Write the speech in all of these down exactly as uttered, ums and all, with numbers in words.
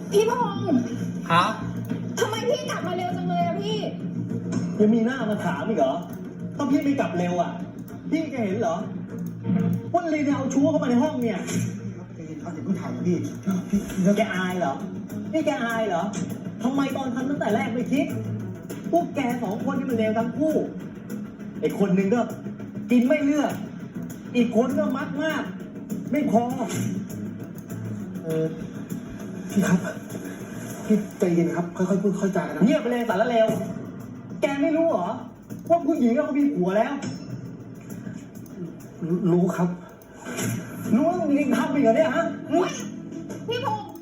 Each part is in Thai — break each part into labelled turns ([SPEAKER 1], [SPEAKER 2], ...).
[SPEAKER 1] พี่พงษ์
[SPEAKER 2] ครับ
[SPEAKER 1] ทำไมพี่กลับมาเร็วจังเลยอะพี่
[SPEAKER 3] ยังมีหน้ามาถามอีกเหรอต้องพี่ไม่กลับเร็วอ่ะพี่แกเห็นเหรอว่าลีเนี่ยเอาชู้เข้ามาในห้องเนี่ยเขาจะเพิ่งถ่ายพี่พี่แกอายเหรอนี่แกอายเหรอทำไมตอนทำตั้งแต่แรกไม่คิดพวกแกสองคนนี่มันเลวทั้งคู่ไอ้คนหนึ่งก็กินไม่เลือกอีกคนก็มักมากไม่พอเออพี่ครับพี่ใจเย็นครับค่อยๆพูดค่อยๆจากันนะเงียบไปเลยสารเลวแกไม่รู้เหรอว่าผู้หญิงเรามีผัวแล้วรู้ครับรู้ว่ามึงทำอีกเหรอเนี่ยฮะ
[SPEAKER 1] พี่พงษ์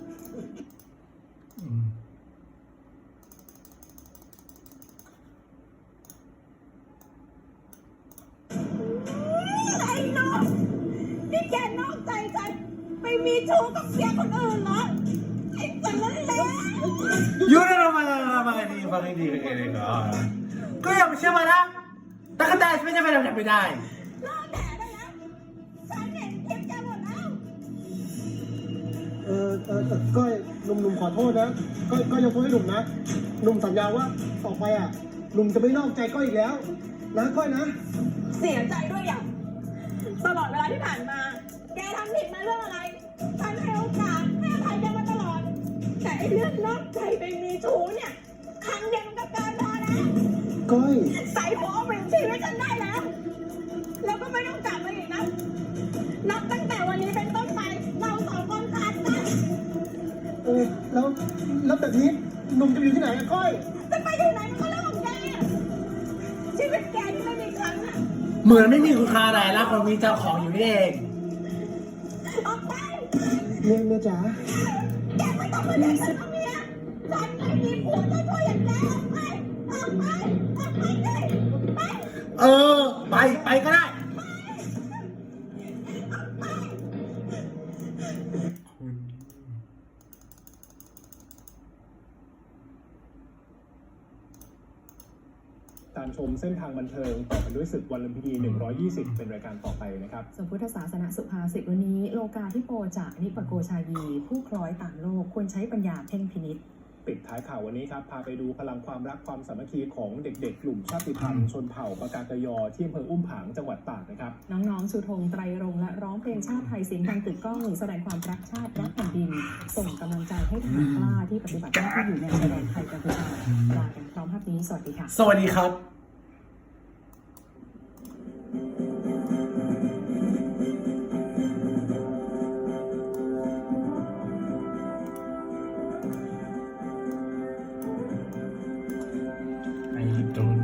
[SPEAKER 1] ไอ้น้องนี่แกนอกใจฉันไปมีชู้กับเสียคนอื่นเหรอไอ้สันนั่นแหละ
[SPEAKER 2] Yun na naman ang mga hindi pakikinig ko. Kuya, siya ba na? Nakataas mo niya ba naman pinay?
[SPEAKER 1] เลิกแถได้แล้วฉันเห็นคลิปแกหมดแล้ว
[SPEAKER 4] เออเออเออก้อยหนุ่มหนุ่มขอโทษนะก้อยก้อยยกโทษให้หนุ่มนะหนุ่มสัญญาว่าต่อไปอ่ะหนุ่มจะไม่นอกใจก้อยอีกแล้วนะก้อยนะ
[SPEAKER 1] เสียใจด้วยอย่างตลอดเวลาที่ผ่านมา แกทำผิดมาเรื่องอะไร ฉันให้โอกาสให้อภัยแกมาตลอด แต่ไอ้เรื่องนอกใจไปมีชู้เนี่ยครั้งเดียวมันก็เกินพอแล้ว
[SPEAKER 4] ก้อย
[SPEAKER 1] ใส่หัวเอาเป็นชีวิตฉันได้แล้ว แล้วก็ไม่ต้องกลับมาอีกนะ นับตั้งแต่วันนี้เป็นต้นไป เราสองคนขาดกัน
[SPEAKER 4] เออแล้วแล้วแบบนี้หนุ่มจะอยู่ที่ไหนอะก้อย
[SPEAKER 1] จะไปที่ไหนมันก็เรื่องของแกชีวิตแกที่ไม่มีครั้งอะ
[SPEAKER 2] เหมือนไม่มีคุณค่าอะไรแล้วคนมีเจ้าของอยู่นี่เอง
[SPEAKER 1] ออกไป
[SPEAKER 4] เมียเมียจ๋า
[SPEAKER 1] แกไม่ต้องมาเรียกฉันว่าเมียฉันไม่มีผัวเจ้าตัวอย่างแกออกไป ออกไป ออกไปเลยไป
[SPEAKER 2] เออ ไป ไปก็ได้
[SPEAKER 5] การชมเส้นทางบันเทิงต่อไปด้วยศึกวันลุมพินีหนึ่งร้อยยี่สิบเป็นรายการต่อไปนะครับ
[SPEAKER 6] ส่วนพุทธศาสนสุภาษิตวันนี้โลกาธิโปจะนิปโกชายี ผู้คล้อยต่างโลกควรใช้ปัญญาเพ่งพินิจ
[SPEAKER 5] ปิดท้ายข่าววันนี้ครับพาไปดูพลังความรักความสามัคคีของเด็กๆกลุ่มชาติพันธุ์ชนเผ่าปากากยอที่อำเภออุ้มผางจังหวัดตากนะครับ
[SPEAKER 6] น้องๆชูธงไตรรงค์และร้องเพลงชาติไทยเสียงดังตึกก้องแสดงความรักชาติรักแผ่นดินส่งกำลังใจให้ทหารกล้าที่ปฏิบัติหน้าที่อยู่ในชายแดนไทยกัมพูชาลากันพร้อมภาพนี้สวัสดีค่ะ
[SPEAKER 2] สวัสดีครับไอ้ตุน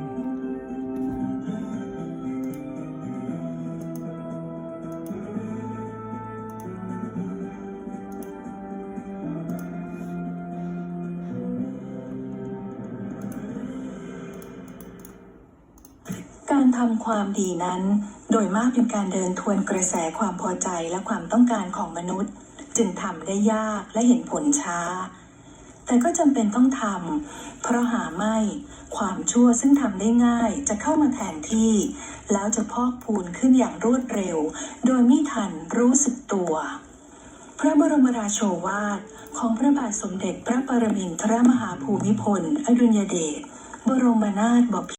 [SPEAKER 7] การทำความดีนั้นโดยมากเป็นการเดินทวนกระแสความพอใจและความต้องการของมนุษย์จึงทำได้ยากและเห็นผลช้าแต่ก็จำเป็นต้องทำเพราะหาไม่ความชั่วซึ่งทำได้ง่ายจะเข้ามาแทนที่แล้วจะพอกพูนขึ้นอย่างรวดเร็วโดยไม่ทันรู้สึกตัวพระบรมราโชวาทของพระบาทสมเด็จพระปรมินทรมหาภูมิพลอดุลยเดชบรมนาถบพิตร